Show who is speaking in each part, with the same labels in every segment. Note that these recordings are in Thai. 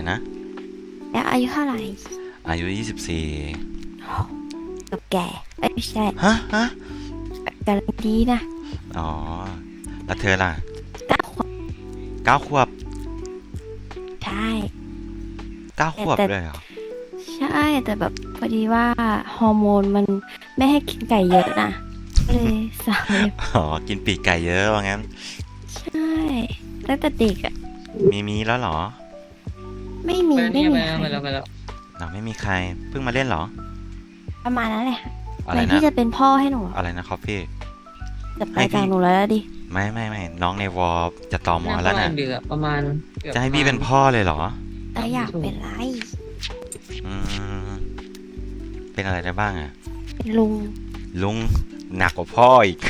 Speaker 1: นะ
Speaker 2: แล้วอายุเท่าไหร่
Speaker 1: อายุ24
Speaker 2: กับแก่ไม่ใช่
Speaker 1: ฮะ
Speaker 2: กำลังดีนะ
Speaker 1: อ๋อแล้วเธอล่ะ
Speaker 2: 9 ขวบ
Speaker 1: 9 ขวบ
Speaker 2: ใช่
Speaker 1: 9 ขวบเลยเหรอ
Speaker 2: ใช่แต่แบบพอดีว่าฮอร์โมนมันไม่ให้กินไก่เยอะนะก็เลยสาวเลย
Speaker 1: อ๋อกินปีกไก่เยอะว่างั้น
Speaker 2: ใช่ตั้งแต่เด็กอ่ะ
Speaker 1: มีแล้วเหรอ
Speaker 2: ไม่มี
Speaker 3: ไป
Speaker 2: ไม่มีใคร
Speaker 3: แล้ว
Speaker 1: เราไม่มีใครเพิ่งมาเล่นเหรอ
Speaker 2: ประมาณนั้นแหละ
Speaker 1: อะไรนะ
Speaker 2: ที่จะเป็นพ่อให้หนู
Speaker 1: อะไรนะคอฟฟี่
Speaker 2: จะไปจากหนูแล้วดิ
Speaker 1: ไม่น้องในวอลจะต่อมอแล้วนะ
Speaker 3: เดือประมาณ
Speaker 1: จะให้พี่เป็นพ่อเลยเหรอ
Speaker 2: แล้วอยากเป็นไร
Speaker 1: อืมเป็นอะไรได้บ้างอะ
Speaker 2: เป็นลุง
Speaker 1: หนักกว่าพ่ออีก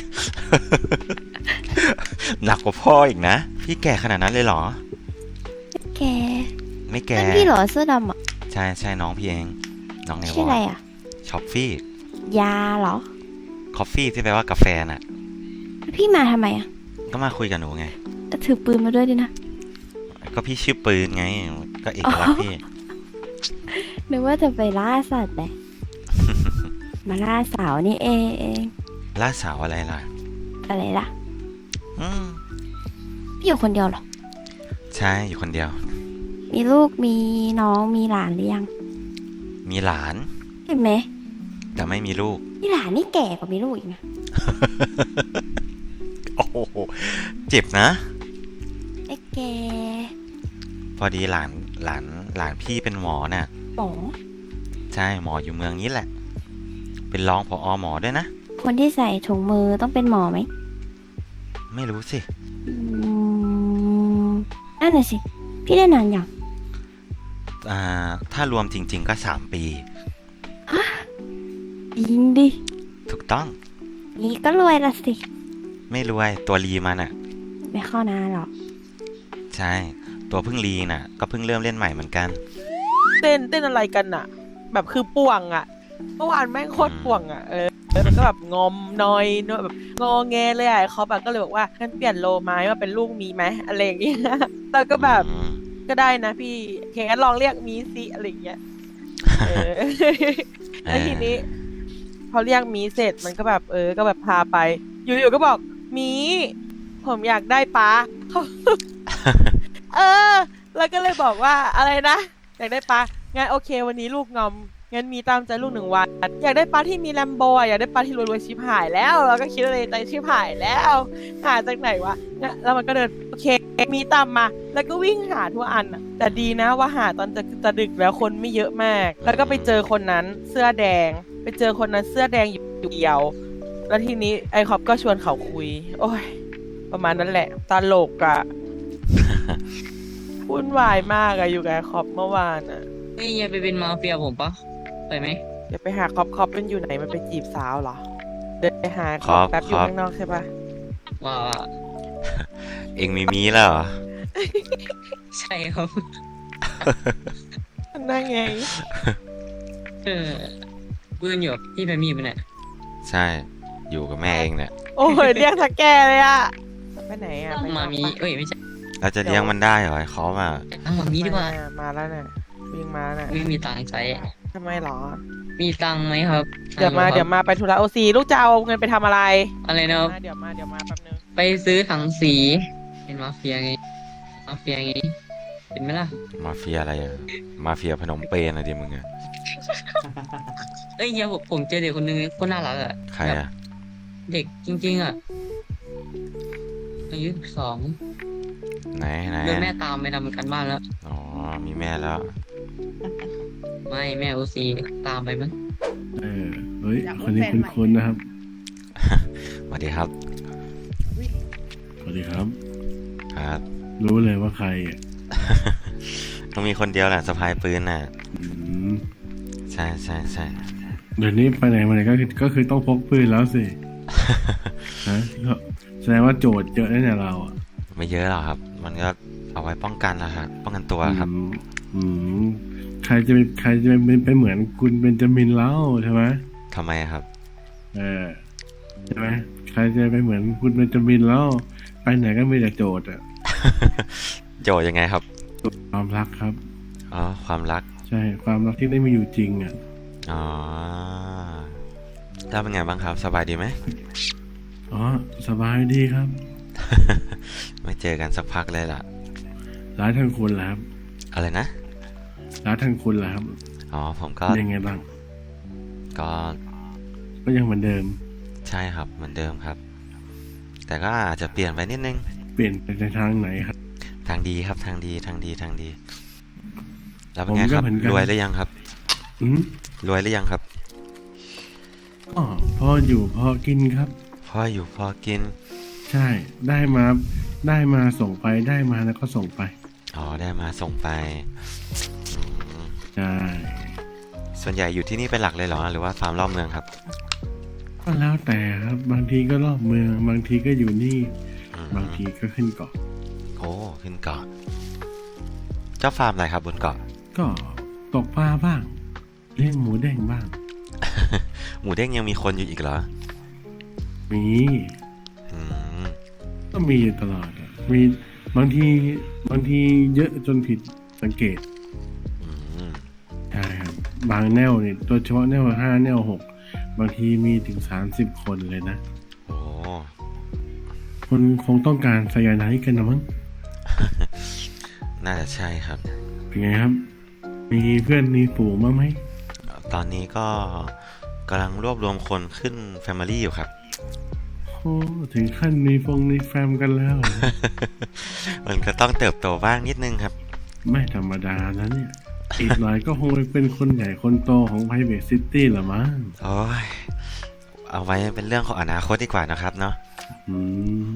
Speaker 1: หนักกว่าพ่ออีกนะพี่แก่ขนาดนั้นเลยเหรอ
Speaker 2: แก
Speaker 1: ไม่แก่
Speaker 2: เป็นพี่เหรอเสื้อดำอ่ะ
Speaker 1: ใช่น้องพี่เองน้องในวอล
Speaker 2: ชื่ออะไรอ่ะ
Speaker 1: ช็อปฟี่
Speaker 2: ยาเหรอ
Speaker 1: คอฟฟี่ที่แปลว่ากาแฟน่ะ
Speaker 2: พี่มาทำไมอ่ะ
Speaker 1: ก็มาคุยกับหนูไง
Speaker 2: ถือปืนมาด้วยดินะ
Speaker 1: ก็พี่ชื่อปืนไงก็เอกลักษณ์พี่
Speaker 2: นึกว่าจะไปล่าสัตว์เลย มาล่าสาวนี่เอง
Speaker 1: ล่าสาวอะไรล่ะ
Speaker 2: อะไรล่ะ
Speaker 1: อืม
Speaker 2: พี่อยู่คนเดียวเหรอ
Speaker 1: ใช่อยู่คนเดียว
Speaker 2: มีลูกมีน้องมีหลานหรือยัง
Speaker 1: มีหลาน
Speaker 2: เห็นไหม
Speaker 1: แต่ไม่มีลูก
Speaker 2: มีหลานนี่แก่กว่ามีลูกอีกนะ
Speaker 1: โอ้โหเจ็บนะ
Speaker 2: ไอ้แก
Speaker 1: พอดีหลานพี่เป็นหมอน่ะ
Speaker 2: หมอ
Speaker 1: ใช่หมออยู่เมืองนี้แหละเป็นรองผอ.หมอด้วยนะ
Speaker 2: คนที่ใส่ถุงมือต้องเป็นหมอไหม
Speaker 1: ไม่รู้สิ
Speaker 2: นั่นน่ะสิพี่ได้นานยัง
Speaker 1: ถ้ารวมจริงๆก็3 ปี
Speaker 2: ฮะจริงดิ
Speaker 1: ถูกต้อง
Speaker 2: นี่ก็รวยละสิ
Speaker 1: ไม่รวยตัวรีมันอ่ะ
Speaker 2: ไม่เข้านานหรอก
Speaker 1: ใช่ตัวเพิ่งรีน่ะก็เพิ่งเริ่มเล่นใหม่เหมือนกัน
Speaker 4: เต้นอะไรกันอ่ะแบบคือป่วงอ่ะเมื่อวานแม่งโคตรป่วงอ่ะมันก็แบบงอมนอยแบบงอแงเลยอ่ะเขาแบบก็เลยบอกว่างั้นเปลี่ยนโลไม้มาเป็นลูกมีไหมอะไรอย่างเงี้ยแล้วก็แบบก็ได้นะพี่แค่ลองเรียกมีสิอะไรอย่างเงี้ยแล้วทีนี้พอเรียกมีเสร็จมันก็แบบก็แบบพาไปอยู่ๆก็บอกมีผมอยากได้ป้าแล้วก็เลยบอกว่าอะไรนะอยากได้ป้างั้นโอเควันนี้ลูกงอมงั้นมีตามใจลูก1 วันอยากได้ป้าที่มีแลมโบอยากได้ป้าที่รวยๆชิบหายแล้วเราก็คิดอะไรใจชิบหายแล้วหาจากไหนวะแล้วมันก็เดินโอเคมีตามมาแล้วก็วิ่งหาทั่วอันแต่ดีนะว่าหาตอนจะดึกแล้วคนไม่เยอะมากแล้วก็ไปเจอคนนั้นเสื้อแดงไปเจอคนนั้นเสื้อแดงอยู่เดียวแล้วทีนี้ไอคอปก็ชวนเขาคุยโอ้ยประมาณนั้นแหละตลกอะวุ่นวายมากอะอยู่กับไอคอปเมื่อวานอะ
Speaker 3: นี่อย่าไปเป็นมาเฟียผมปะไปไหม
Speaker 4: อย่าไปหาคอปเป็นอยู่ไหนมันไปจีบสาวเหรอเดินไปหาคอปแป๊บอยู่ข้างนอกใช่ปะ
Speaker 3: ว่า
Speaker 1: เอ็งมีแล้วเหรอ
Speaker 3: ใช่ครับ
Speaker 4: นั่งไง
Speaker 3: ปืนอยู่ที่ไปมีมันเนี่ย
Speaker 1: ใช่อยู่กับแม่เองเนี่ย
Speaker 4: โอ้ยเรียกทักแกเลยอะไปไหนอะไป
Speaker 3: มามีไม่ใช่
Speaker 1: เราจะเลี้ยงมันได้เหรอเขามา
Speaker 3: มามีดีกว่า
Speaker 4: มาแล้วเนี่ยวิ่งมาแล้ว
Speaker 3: ไม่มีตังค์ใช้
Speaker 4: ทำไมหรอ
Speaker 3: มีตังค์ไหมครับ
Speaker 4: เดี๋ยวมาไปธุระOCลูกจะเอาเงินไปทำอะไร
Speaker 3: อะไรนะ
Speaker 4: เดี๋ยวมาแป๊บนึง
Speaker 3: ไปซื้อถังสีเป็นมาเฟียไงเห็นไหมล่ะ
Speaker 1: มาเฟียอะไรอะมาเฟียพนมเปญอะไรดิมึงอะ
Speaker 3: เฮียผมเจอเด็กคนนึงคนน่ารักอะ
Speaker 1: ใครอะ
Speaker 3: เด็กจริงๆอะอายุ12
Speaker 1: ไหน
Speaker 3: โดนแม่ตามไปทำกันบ้านแล้ว
Speaker 1: อ๋อมีแม่แล้ว
Speaker 3: ไม่แม่OCตามไปมั้ง
Speaker 5: เฮ้ยคนนี้คุ้นๆนะครับ
Speaker 1: สวัสดีครับ
Speaker 5: สวัสดีครับ
Speaker 1: ครับ
Speaker 5: รู้เลยว่าใครอ่ะ
Speaker 1: ต้องมีคนเดียวแหละสะพายปืนน่ะใช่
Speaker 5: เดี๋ยวนี้ไปไหนมาไหนก็คือต้องพกปืนแล้วสิฮะแสดงว่าโจทย์เยอะแน่เราอ่ะ
Speaker 1: ไม่เยอะหรอกครับมันก็เอาไว้ป้องกันนะครับป้องกันตัวครับ
Speaker 5: ใครจะไปเหมือนคุณเบนจามินเล่าใช่ไหม
Speaker 1: ทำไมครับ
Speaker 5: ใช่ไหมใครจะไปเหมือนคุณเบนจามินเล่าไปไหนก็มีแต่โจทย์อ่ะ
Speaker 1: โจทย์ยังไงครับ
Speaker 5: ความรักครับ
Speaker 1: อ๋อ ความรัก
Speaker 5: ใช่ความรักที่ได้มีอยู่จริงอ่ะ
Speaker 1: อ๋อแล้วเป็นไงบ้างครับ สบายดีไหม
Speaker 5: อ๋อสบายดีครับ
Speaker 1: ไม่เจอกันสักพักเลยล่ะ
Speaker 5: ร้านทางคุณแล้วครับ
Speaker 1: อะไรนะ
Speaker 5: ร้านทางคุณแล้วครับ
Speaker 1: อ๋อ ผมก็
Speaker 5: ยังไงบ้าง
Speaker 1: ก็
Speaker 5: ก็ยังเหมือนเดิม
Speaker 1: ใช่ครับ เหมือนเดิมครับ แต่ก็อาจจะเปลี่ยนไปนิดนึง
Speaker 5: เปลี่ยนไปในทางไหนครับ
Speaker 1: ทางดีครับ ทางดี ทางดี ทางดี แล้วเป็นไง
Speaker 5: ผมก็
Speaker 1: ครับ
Speaker 5: เหมือนกัน
Speaker 1: รวยหรือยังครับ
Speaker 5: อืม
Speaker 1: รวยหรือยังครับ
Speaker 5: ก็พออยู่พอกินครับ
Speaker 1: พออยู่พอกิน
Speaker 5: ใช่ ได้มาส่งไปได้มาแล้วก็ส่งไป
Speaker 1: อ๋อ ได้มาส่งไปอืม
Speaker 5: ใช่
Speaker 1: ส่วนใหญ่อยู่ที่นี่เป็นหลักเลยเหรอ หรือว่าฟาร์มรอบเมืองครับ
Speaker 5: ก็แล้วแต่ครับ บางทีก็รอบเมือง บางทีก็อยู่นี่
Speaker 1: อืม
Speaker 5: บางทีก็ขึ้นเกาะ
Speaker 1: โอ้ ขึ้นเกาะ เจ้าฟาร์มอะไรครับบนเกาะ
Speaker 5: ก็ตกปลาบ้าง เลี้ยงหมูแดงบ้าง
Speaker 1: หมูเด้งยังมีคนอยู่อีกเหรอ
Speaker 5: มี
Speaker 1: อืม
Speaker 5: ก็มีอยู่ตลอดอะมีบางทีเยอะจนผิดสังเกต
Speaker 1: อืม
Speaker 5: ใช่ครับ บางแนวเนี่ยโดยเฉพาะแนว5แนว6บางทีมีถึง30คนเลยนะ
Speaker 1: โอ้
Speaker 5: คนคงต้องการไซยาไนด์กันนะมั้ง
Speaker 1: น่าจะใช่ครับ
Speaker 5: เป็นไงครับ มีเพื่อนมีฝูงบ้างไหม
Speaker 1: ตอนนี้ก็กำลังรวบรวมคนขึ้น Family อยู่ครับ
Speaker 5: โอ้ถึงขั้นมีแฟมกันแล้วเหรอ
Speaker 1: มันก็ต้องเติบโตบ้างนิดนึงครับ
Speaker 5: ไม่ธรรมดานะเนี่ย อีกหน่อยก็คงเป็นคนใหญ่คนโตของ Private City ละมั้ง
Speaker 1: โอ้ย เอาไว้เป็นเรื่องของอนาคตดีกว่านะครับเนาะ
Speaker 5: อืม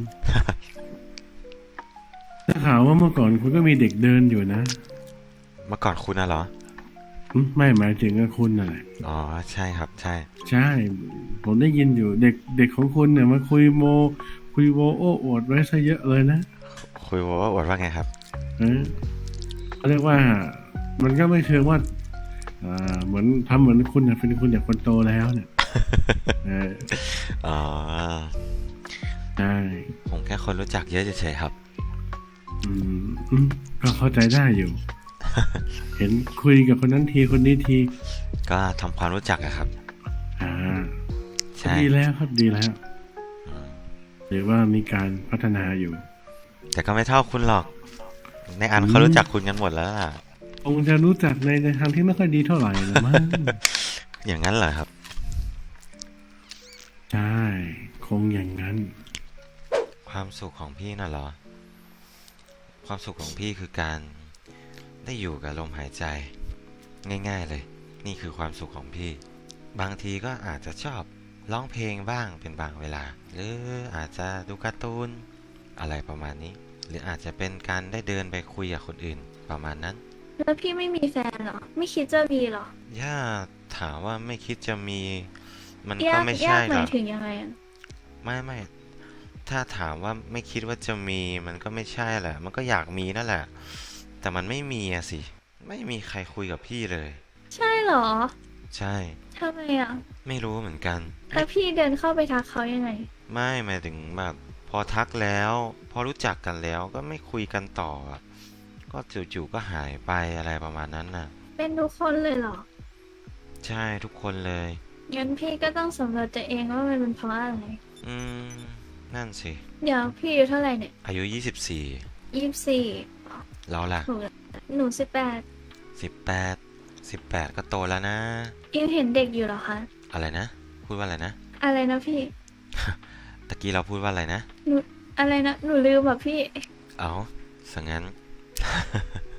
Speaker 5: ถ้าข่าวว่าเมื่อก่อนคุณก็มีเด็กเดินอยู่นะ
Speaker 1: เมื่อก่อนคุณน่ะเหรอ
Speaker 5: ไม่หมายถึงกับคุณน่ะแหละ
Speaker 1: อ๋อ ใช่ครับ ใช่
Speaker 5: ใช่ ผมได้ยินอยู่เด็กของคุณเนี่ยมาคุยโวโอ้อวดไว้ซะเยอะเลยนะ
Speaker 1: คุยว่าอวดว่าไงครับ
Speaker 5: เขาเรียกว่า มันก็ไม่เชิงว่าเหมือนทำเหมือนคุณเนี่ยเป็นคุณอย่างคนโตแล้วเนี่ย เออ
Speaker 1: อ๋อ
Speaker 5: ใช่
Speaker 1: ผมแค่คนรู้จักเยอะเฉยๆครับ
Speaker 5: ก็เข้าใจได้อยู่ เห็นคุยกับคนนั้นทีคนนี้ที
Speaker 1: ก็ทำความรู้จักอะครับ
Speaker 5: อ่า
Speaker 1: ใช่
Speaker 5: ดีแล้วครับดีแล้ว
Speaker 1: อืม
Speaker 5: หรือว่ามีการพัฒนาอยู่
Speaker 1: แต่ก็ไม่เท่าคุณหรอก ในอันเขารู้จักคุณกันหมดแล้วล่ะ
Speaker 5: คงจะรู้จักในทางที่ไม่ค่อยดีเท่าไหร่ละมั้ง
Speaker 1: อย่างนั้นเหรอครับ
Speaker 5: ใช่ คงอย่างนั้น
Speaker 1: ความสุขของพี่น่ะเหรอ ความสุขของพี่คือการได้อยู่กับลมหายใจ ง่ายๆเลย นี่คือความสุขของพี่ บางทีก็อาจจะชอบร้องเพลงบ้างเป็นบางเวลา หรืออาจจะดูการ์ตูนอะไรประมาณนี้ หรืออาจจะเป็นการได้เดินไปคุยกับคนอื่นประมาณนั้น
Speaker 2: แล้วพี่ไม่มีแฟนเหรอ ไม่คิดจะมีเหรอ
Speaker 1: ย่าถามว่าไม่คิดจะมี มัน
Speaker 2: ยา
Speaker 1: ก็
Speaker 2: ก
Speaker 1: ไม่
Speaker 2: ยา
Speaker 1: ใช่
Speaker 2: กห
Speaker 1: หร
Speaker 2: มา
Speaker 1: อย ก
Speaker 2: ถึงยังไงอะ
Speaker 1: ไม่ถ้าถามว่าไม่คิดว่าจะมี มันก็ไม่ใช่แหละ มันก็อยากมีนั่นแหละ แต่มันไม่มีอะสิ ไม่มีใครคุยกับพี่เลย
Speaker 2: ใช่เหรอ
Speaker 1: ใช่
Speaker 2: ทำไมอะ
Speaker 1: ไม่รู้เหมือนกัน
Speaker 2: แล้วพี่เดินเข้าไปทักเขายังไง
Speaker 1: ไม่หมายถึงแบบพอทักแล้ว พอรู้จักกันแล้วก็ไม่คุยกันต่ออะก็จู่ๆก็หายไปอะไรประมาณนั้นน่ะ
Speaker 2: เป็นทุกคนเลยเหรอ
Speaker 1: ใช่ทุกคนเลย
Speaker 2: งั้นพี่ก็ต้องสำรวจตัวเองว่ามันเป็นเพราะอะไร
Speaker 1: อืม นั่นสิ
Speaker 2: เดี๋ยวพี่อายู่เท่าไหร่เนี่ย
Speaker 1: อายุ 24
Speaker 2: 24
Speaker 1: เราล่ะ
Speaker 2: ถูกแล้วหนู
Speaker 1: 18ก็โตแล้วนะ
Speaker 2: 18ยังเห็นเด็กอยู่เหรอคะ
Speaker 1: อะไรนะ พูดว่าอะไรนะ
Speaker 2: อะไรนะพี่
Speaker 1: ตะกี้เราพูดว่าอะไรนะ
Speaker 2: หนูอะไรนะ หนูลืมแบบพี่
Speaker 1: เอาสังงั้น